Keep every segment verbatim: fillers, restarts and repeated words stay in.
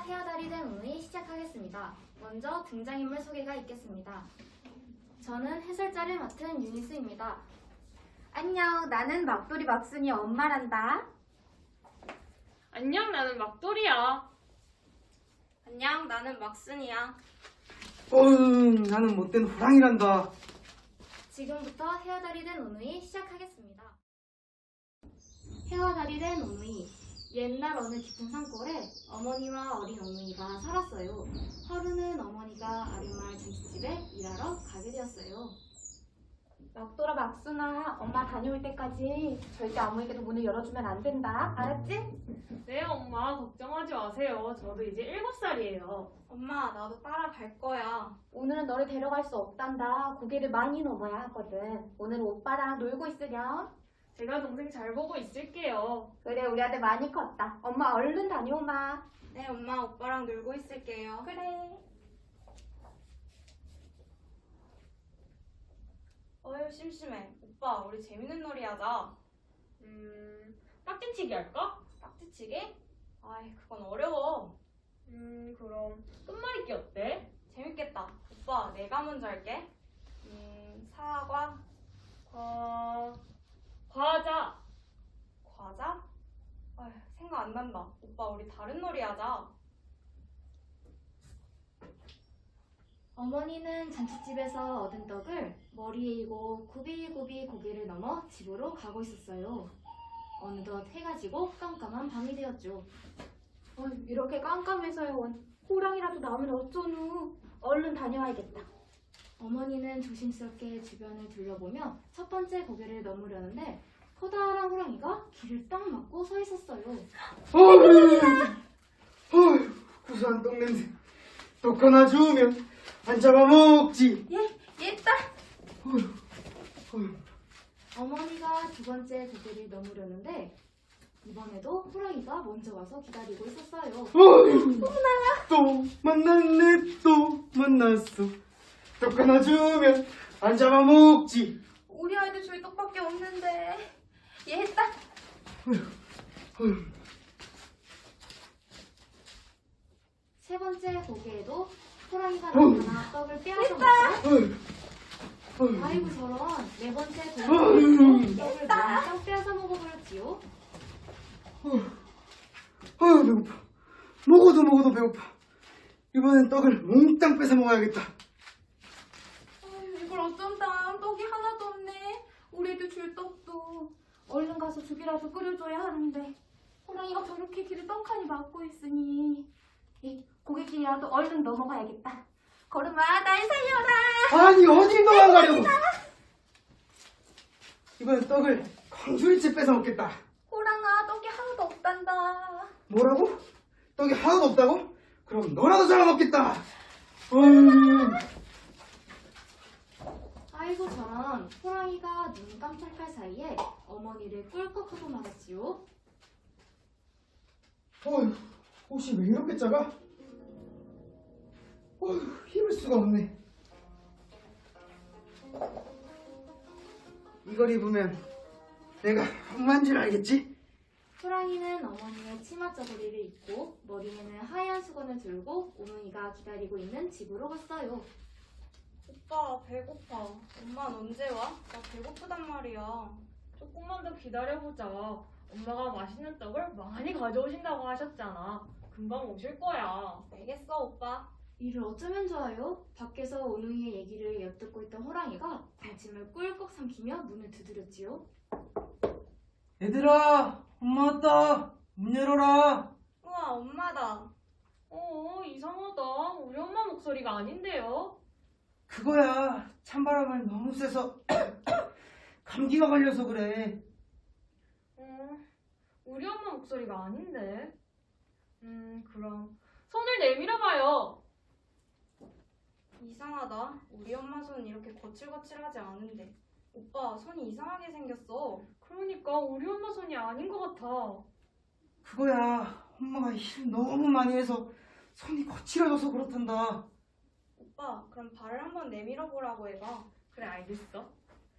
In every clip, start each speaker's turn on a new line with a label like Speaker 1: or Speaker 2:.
Speaker 1: 헤어달이 된 오누이 시작하겠습니다. 먼저 등장인물 소개가 있겠습니다. 저는 해설자를 맡은 유니스입니다.
Speaker 2: 안녕, 나는 막돌이 막순이 엄마란다.
Speaker 3: 안녕, 나는 막돌이야.
Speaker 4: 안녕, 나는 막순이야.
Speaker 5: 어흥, 나는 못된 호랑이란다.
Speaker 1: 지금부터 헤어달이 된 오누이 시작하겠습니다. 헤어달이 된 오누이. 옛날 어느 깊은 산골에 어머니와 어린 오누이가 살았어요. 하루는 어머니가 아랫마을 잔치집에 일하러 가게 되었어요.
Speaker 2: 막돌아 막순아, 엄마 다녀올 때까지 절대 아무에게도 문을 열어주면 안 된다. 알았지?
Speaker 3: 네, 엄마, 걱정하지 마세요. 저도 이제 일곱 살이에요.
Speaker 4: 엄마, 나도 따라갈 거야.
Speaker 2: 오늘은 너를 데려갈 수 없단다. 고개를 많이 넘어야 하거든. 오늘은 오빠랑 놀고 있으렴.
Speaker 3: 제가 동생 잘 보고 있을게요.
Speaker 2: 그래, 우리 아들 많이 컸다. 엄마 얼른 다녀오마.
Speaker 4: 네, 엄마, 오빠랑 놀고 있을게요.
Speaker 2: 그래.
Speaker 4: 어휴, 심심해. 오빠, 우리 재밌는 놀이 하자.
Speaker 3: 음, 딱지치기 할까?
Speaker 4: 딱지치기? 아이, 그건 어려워.
Speaker 3: 음, 그럼 끝말잇기 어때?
Speaker 4: 재밌겠다. 오빠, 내가 먼저 할게. 음, 사과,
Speaker 3: 과... 과자.
Speaker 4: 과자? 아휴, 생각 안 난다. 오빠, 우리 다른 놀이 하자.
Speaker 1: 어머니는 잔치집에서 얻은 떡을 머리에 이고 굽이굽이 고개를 넘어 집으로 가고 있었어요. 어느덧 해가 지고 깜깜한 밤이 되었죠.
Speaker 2: 어휴, 이렇게 깜깜해서요. 호랑이라도 나오면 어쩌누. 얼른 다녀와야겠다.
Speaker 1: 어머니는 조심스럽게 주변을 둘러보며 첫 번째 고개를 넘으려는데 커다란 호랑이가 길을 딱 막고 서 있었어요.
Speaker 5: 어휴, 어휴, 구수한 떡 냄새. 떡 하나 주우면 안 잡아먹지.
Speaker 2: 얘, 얘 딸.
Speaker 5: 어휴, 어휴.
Speaker 1: 어머니가 두 번째 고개를 넘으려는데 이번에도 호랑이가 먼저 와서 기다리고 있었어요.
Speaker 5: 어휴, 또 만났네, 또 만났어. 떡 하나 주우면 안 잡아먹지.
Speaker 2: 우리 아이들 저희 떡밖에 없는데. 얘 딸.
Speaker 5: 어휴.
Speaker 1: 세 번째 고개에도 호랑이가
Speaker 5: 어휴.
Speaker 1: 나타나 떡을 빼앗아 먹고
Speaker 5: 어휴, 어휴.
Speaker 1: 아이고 저런 네 번째
Speaker 5: 어휴.
Speaker 1: 고개에도 떡을 몽땅 빼앗아 먹어버렸지요.
Speaker 5: 어휴, 어휴, 배고파. 먹어도 먹어도 배고파. 이번엔 떡을 몽땅 뺏어 먹어야겠다.
Speaker 2: 아유, 이걸 어쩐다. 떡이 하나도 없네. 우리 애들 줄 떡도. 얼른 가서 죽이라도 끓여줘야 하는데. 호랑이가 저렇게 길을 떡하니 막고 있으니. 이 고객길이라도 얼른 넘어가야겠다. 걸음아, 날 살려라.
Speaker 5: 아니, 어딜 도망가려고. 이번엔 떡을 광주리째 뺏어 먹겠다.
Speaker 2: 호랑아, 떡이 하나도 없단다.
Speaker 5: 뭐라고? 떡이 하나도 없다고? 그럼 너라도 잡아먹겠다. 어휴.
Speaker 1: 아이고 저런 호랑이가 눈 깜짝할 사이에 어머니를 꿀꺽하고 말았지요.
Speaker 5: 어휴, 옷이 왜 이렇게 작아? 어휴, 입을 수가 없네. 이걸 입으면 내가 엄마인 줄 알겠지?
Speaker 1: 호랑이는 어머니의 치마 저고리를 입고 머리에는 하얀 수건을 들고 오누이가 기다리고 있는 집으로 갔어요.
Speaker 4: 오빠, 배고파. 엄마는 언제 와? 나 배고프단 말이야.
Speaker 3: 조금만 더 기다려보자. 엄마가 맛있는 떡을 많이 가져오신다고 하셨잖아. 금방 오실 거야.
Speaker 4: 알겠어, 오빠.
Speaker 1: 이를 어쩌면 좋아요? 밖에서 오누이의 얘기를 엿듣고 있던 호랑이가 군침을 꿀꺽 삼키며 문을 두드렸지요.
Speaker 5: 얘들아, 엄마 왔다. 문 열어라.
Speaker 4: 우와, 엄마다.
Speaker 3: 어, 이상하다. 우리 엄마 목소리가 아닌데요?
Speaker 5: 그거야. 찬바람을 너무 쐬서 감기가 걸려서 그래.
Speaker 3: 어, 우리 엄마 목소리가 아닌데. 음, 그럼 손을 내밀어봐요.
Speaker 4: 이상하다. 우리 엄마 손 이렇게 거칠거칠하지 않은데. 오빠, 손이 이상하게 생겼어.
Speaker 3: 그러니까 우리 엄마 손이 아닌 것 같아.
Speaker 5: 그거야. 엄마가 일 너무 많이 해서 손이 거칠어져서 그렇단다.
Speaker 4: 오빠, 그럼 발을 한번 내밀어 보라고 해봐.
Speaker 3: 그래, 알겠어.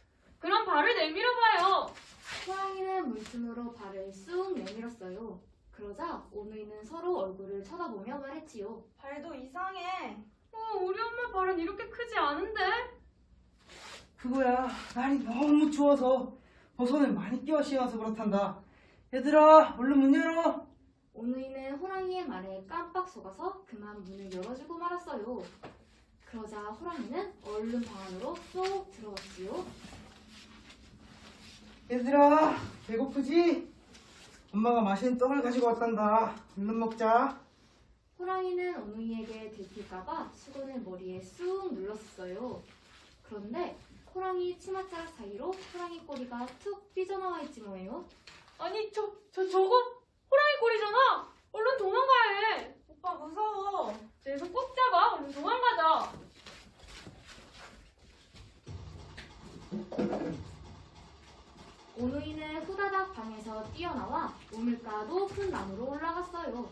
Speaker 3: 그럼 발을 내밀어봐요.
Speaker 1: 호랑이는 물틈으로 발을 쑥 내밀었어요. 그러자 오누이는 서로 얼굴을 쳐다보며 말했지요.
Speaker 4: 발도 이상해.
Speaker 3: 어, 우리 엄마 발은 이렇게 크지 않은데?
Speaker 5: 그거야, 날이 너무 추워서 버섯을 많이 끼워 씌워서 그렇단다. 얘들아, 얼른 문 열어.
Speaker 1: 오누이는 호랑이의 말에 깜빡 속아서 그만 문을 열어주고 말았어요. 그러자 호랑이는 얼른 방 안으로 쏙 들어갔지요.
Speaker 5: 얘들아, 배고프지? 엄마가 맛있는 떡을 가지고 왔단다. 얼른 먹자.
Speaker 1: 호랑이는 오누이에게 들킬까봐 수건을 머리에 쑥 눌렀어요. 그런데 호랑이 치맛자락 사이로 호랑이 꼬리가 툭 삐져나와 있지 뭐예요.
Speaker 3: 아니, 저, 저, 저거 호랑이 꼬리잖아! 얼른 도망가야 해!
Speaker 4: 오빠 무서워.
Speaker 3: 내 손 꼭 잡아! 얼른 도망가자!
Speaker 1: 오누이는 후다닥 방에서 뛰어나와 우물가 높은 나무로 올라갔어요.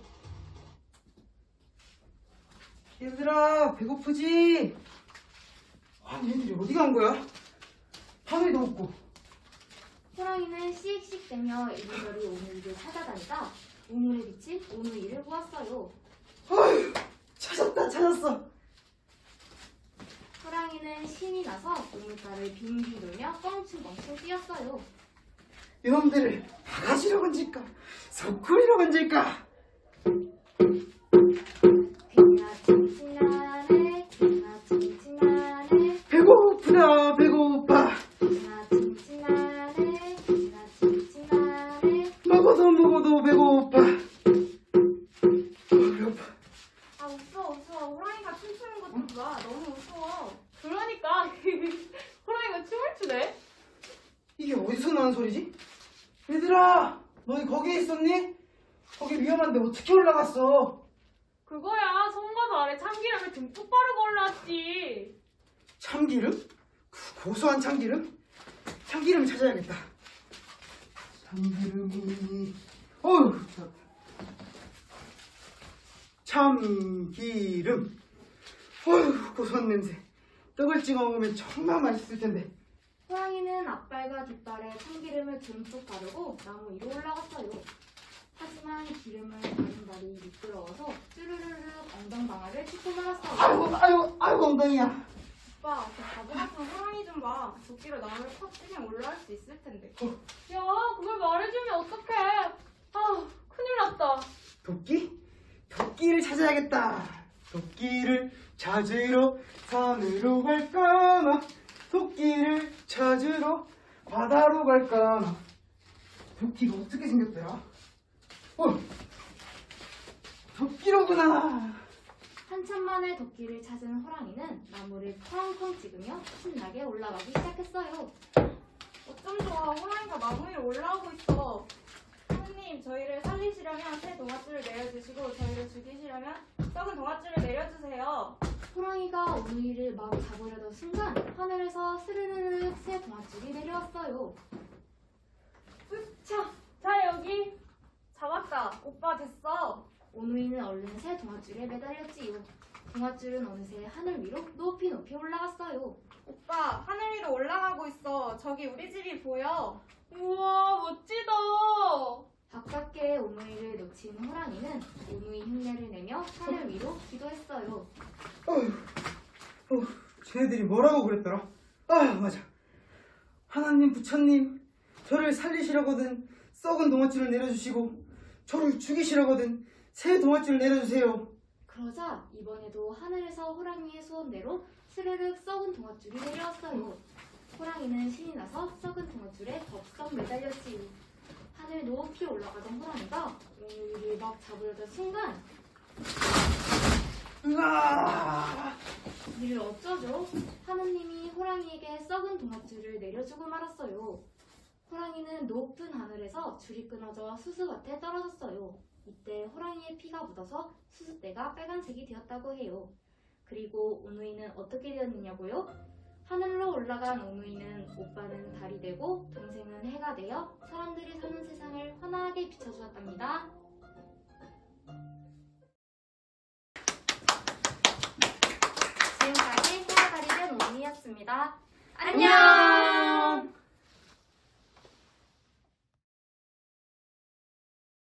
Speaker 5: 얘들아, 배고프지? 아니, 얘들이 어디 간 거야? 밤에도 없고.
Speaker 1: 호랑이는 씩씩대며 이리저리 오누이를 찾아다니다 우물에 비친 오누이를 보았어요.
Speaker 5: 어휴, 찾았다, 찾았어.
Speaker 1: 호랑이는 신이 나서 우물가를 빙빙 돌며 껑충껑충 뛰었어요.
Speaker 5: 이놈들을 바가지로 건질까? 소쿠리로 건질까?
Speaker 1: 귀가 칭칭나네, 귀가 칭칭나네,
Speaker 5: 배고프다, 배고파.
Speaker 1: 귀가 칭칭나네, 귀가 칭칭나네.
Speaker 5: 먹어도 먹어도 배고파. 어, 배고파.
Speaker 4: 아 웃어 웃어. 호랑이가 춤추는 것 좀 봐. 너무 웃어.
Speaker 3: 그러니까 호랑이가 춤을 추네?
Speaker 5: 이게 어디서 나는 소리지? 얘들아, 너희 거기에 있었니? 거기 위험한데 어떻게 올라갔어?
Speaker 3: 그거야, 손과 발에 참기름을 듬뿍 바르고 올라왔지.
Speaker 5: 참기름? 그 고소한 참기름? 참기름 찾아야겠다. 참기름이, 어휴, 참기름. 어휴, 고소한 냄새. 떡을 찍어 먹으면 정말 맛있을 텐데.
Speaker 1: 호랑이는 앞발과 뒷발에 참기름을 듬뿍 바르고 나무 위로 올라갔어요. 하지만 기름을 바른 발이 미끄러워서 쭈르르르 엉덩방아를 찢고 말았어요.
Speaker 5: 아이고, 아이고, 아이고, 엉덩이야.
Speaker 4: 오빠 그 바보 같은 호랑이 좀 봐. 도끼로 나무를 팍 치면 올라갈 수 있을 텐데.
Speaker 3: 야, 그걸 말해주면 어떡해. 아, 큰일 났다.
Speaker 5: 도끼? 도끼를 찾아야겠다. 도끼를 찾으러 산으로 갈까나? 도끼를 찾으러 바다로 갈까나? 도끼가 어떻게 생겼더라? 어, 도끼로구나.
Speaker 1: 한참 만에 도끼를 찾은 호랑이는 나무를 쾅쾅 찍으며 신나게 올라가기 시작했어요.
Speaker 4: 어쩜 좋아. 호랑이가 나무 위로 올라오고 있어. 선생님, 저희를 살리시려면 새 동아줄을 내려주시고 저희를 죽이시려면 썩은 동아줄을 내려주세요.
Speaker 1: 호랑이가 오누이를 막 잡으려던 순간 하늘에서 스르르르 새 동아줄이 내려왔어요.
Speaker 3: 자, 자, 여기.
Speaker 4: 잡았다. 오빠 됐어.
Speaker 1: 오누이는 얼른 새 동아줄에 매달렸지요. 동아줄은 어느새 하늘 위로 높이 높이 올라갔어요.
Speaker 4: 오빠 하늘 위로 올라가고 있어. 저기 우리 집이 보여.
Speaker 3: 우와, 멋지다.
Speaker 1: 바깥에 오누이를 놓친 호랑이는 오누이 흉내를 내며 하늘 위로 기도했어요.
Speaker 5: 어휴, 어휴, 쟤네들이 뭐라고 그랬더라? 아, 맞아. 하나님, 부처님, 저를 살리시려거든 썩은 동아줄을 내려주시고 저를 죽이시려거든 새 동아줄을 내려주세요.
Speaker 1: 그러자 이번에도 하늘에서 호랑이의 소원대로 스르륵 썩은 동아줄이 내려왔어요. 호랑이는 신이 나서 썩은 동아줄에 덥석 매달렸지요. 하늘 높이 올라가던 호랑이가 오누이를 막 잡으려던 순간
Speaker 5: 으아!
Speaker 1: 이를 어쩌죠? 하느님이 호랑이에게 썩은 동아줄을 내려주고 말았어요. 호랑이는 높은 하늘에서 줄이 끊어져 수수밭에 떨어졌어요. 이때 호랑이의 피가 묻어서 수수대가 빨간색이 되었다고 해요. 그리고 오누이는 어떻게 되었느냐고요? 하늘로 올라간 오누이는 오빠는 달이 되고 동생은 해가 되어 사람들이 사는 세상을 환하게 비춰주었답니다. 지금까지 해가 달이 된 오누이였습니다. 안녕!